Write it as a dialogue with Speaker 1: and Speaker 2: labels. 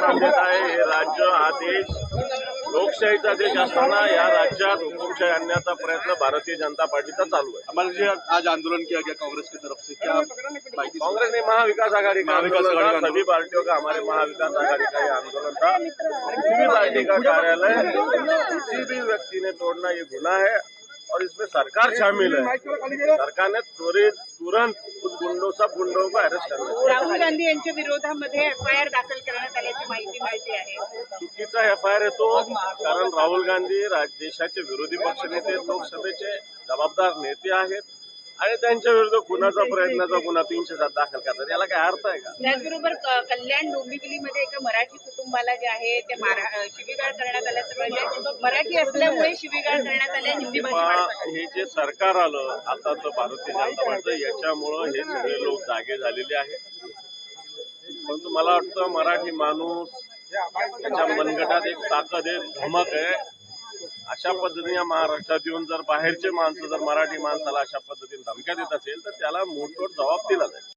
Speaker 1: मान्यता आहे, हे राज्य हा देश लोकशाहीचा देश असताना या राज्यात हुकुमशाही आणण्याचा प्रयत्न भारतीय जनता पार्टीचा चालू है।
Speaker 2: हमारे जो आज आंदोलन किया गया कांग्रेस की तरफ से, क्या
Speaker 1: कांग्रेस ने महाविकास आघाड़ी का आंदोलन था, सभी पार्टियों का, हमारे महाविकास आघाड़ी का ये आंदोलन था। किसी भी पार्टी का कार्यालय किसी भी व्यक्ति ने तोड़ना ये गुनाह है और इसमें सरकार शामिल है। सरकार ने तुरंत उस सब गुंडों को अरेस्ट करना चाहिए।
Speaker 3: राहुल गांधी यांच्या विरोधामध्ये एफआयआर दाखल करण्यात आल्याची माहिती मिळते आहे।
Speaker 1: चुकीचा एफआयआर आहे तो, कारण राहुल गांधी देशाचे विरोधी पक्षनेते, लोकसभेचे जबाबदार नेते आहेत आणि त्यांच्या विरुद्ध खुनाचा प्रयत्नाचा गुन्हा 307 दाखल करतात, याला काय अर्थ आहे का?
Speaker 3: त्याचबरोबर कल्याण डोंबिवलीमध्ये एका मराठी कुटुंबाला जे आहे ते शिवीगाळ करण्यात आल्याचं म्हणजे मराठी असल्यामुळे शिवीगाळ करण्यात आल्या हिंदी भाषा।
Speaker 1: हे जे सरकार आलं आताचं भारतीय जनता पार्टी, याच्यामुळं हे सगळे लोक जागे झालेले आहेत। परंतु मला वाटतं मराठी माणूस त्याच्या मनगटात एक ताकद आहे, धमक आहे। अशा पद्धतीने या महाराष्ट्रात येऊन जर बाहेरचे माणसं जर मराठी माणसाला अशा पद्धतीने धमक्या देत असेल तर त्याला मोठमोठ जबाब दिला जाईल।